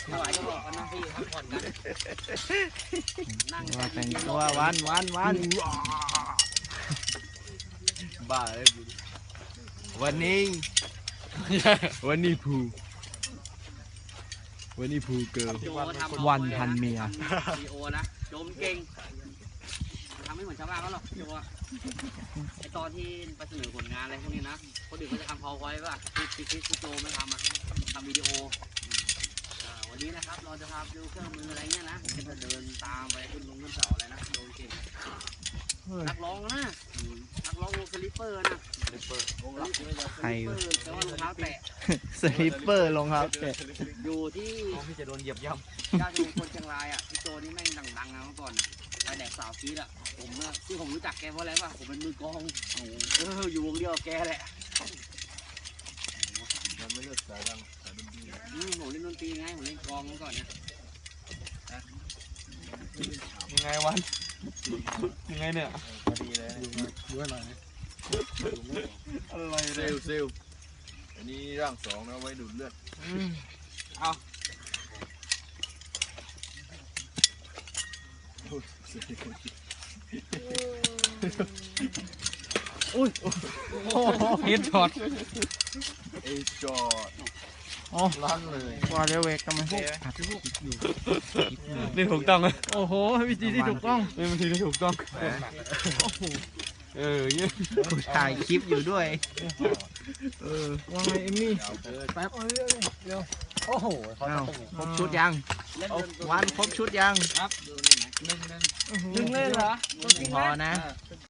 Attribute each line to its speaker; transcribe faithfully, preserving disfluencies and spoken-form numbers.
Speaker 1: ถวายก็บอกกันนะพี่พักผ่อนกันนั่ง
Speaker 2: ว่าแต่งตัววันวันวันบ้าเลยวันนี้วันนี้ภูวันนี้ภูเกิร์ลวันพันเมีย
Speaker 1: วีโอนะโจมเก่งทำไม่เหมือนชาวบ้านเขาหรอกโจไอตอนที่ไปเสนอผลงานอะไรพวกนี้นะคนอื่นก็จะทำพอไว้ป่ะที่ที่ที่โจไม่ทำอ่ะทำวิดีโอวันนี้นะครับเราจะพาดูเครื่องมืออะไรเงี้ยนะจะเดินตามไปขึ้นลงขึ้นเสาอะไรนะโดนเก่งนักร้องนะนักร้องวงสลิปเปอร์นะสลิปเปอร์วงสลิปเปอร์
Speaker 2: ใคร
Speaker 1: แต่ว่ารองเท้าแตะ
Speaker 2: สลิปเปอร์รองเท้าแตะ
Speaker 1: อยู่ที่
Speaker 3: พี่จะโดนเหยียบย่
Speaker 1: ย่านคนเชียงรายอ่ะพี่โจนี่แม่งดังๆนะเมื่อก่อนไปแดกสาวฟีดอ่ะผมเนี่ยที่ผมรู้จักแกเพราะอะไรป่ะผมเป็นมือกองเอออยู่วงเดียวกับแกแหละ
Speaker 3: ำมันไม่เลือกสายดังสายดนตรี
Speaker 1: อืมผมเล่นดนตรีไงผมเล่นกองเมื่อก่อนเนี่ย
Speaker 2: ยังไงวันยังไงเนี่ย
Speaker 3: พอดีเลยด้วยหน่อยอะไรเซลเซลอันนี้ร่างสองนะไว้ดูดเลือด
Speaker 2: เอาอุ้ยโอ้เฮดช็อต
Speaker 3: เอจอด
Speaker 2: อ๋อ
Speaker 3: ลั่นเลย
Speaker 2: ว่าเร็วเวกทำไมนี่ถูกต้องเลยโอ้โหวิธีที่ถูกต้องเป็นวิธีที่ถูกต้องเออเนี่ยถ่ายคลิปอยู่ด้วยเออว่าไงเอมมี่แป๊บเร็วโอ้โหครบชุดยังวันครบชุดยัง
Speaker 1: ครับดูนี่ไหม
Speaker 2: หนึ่งเล่นเหรอพอนะ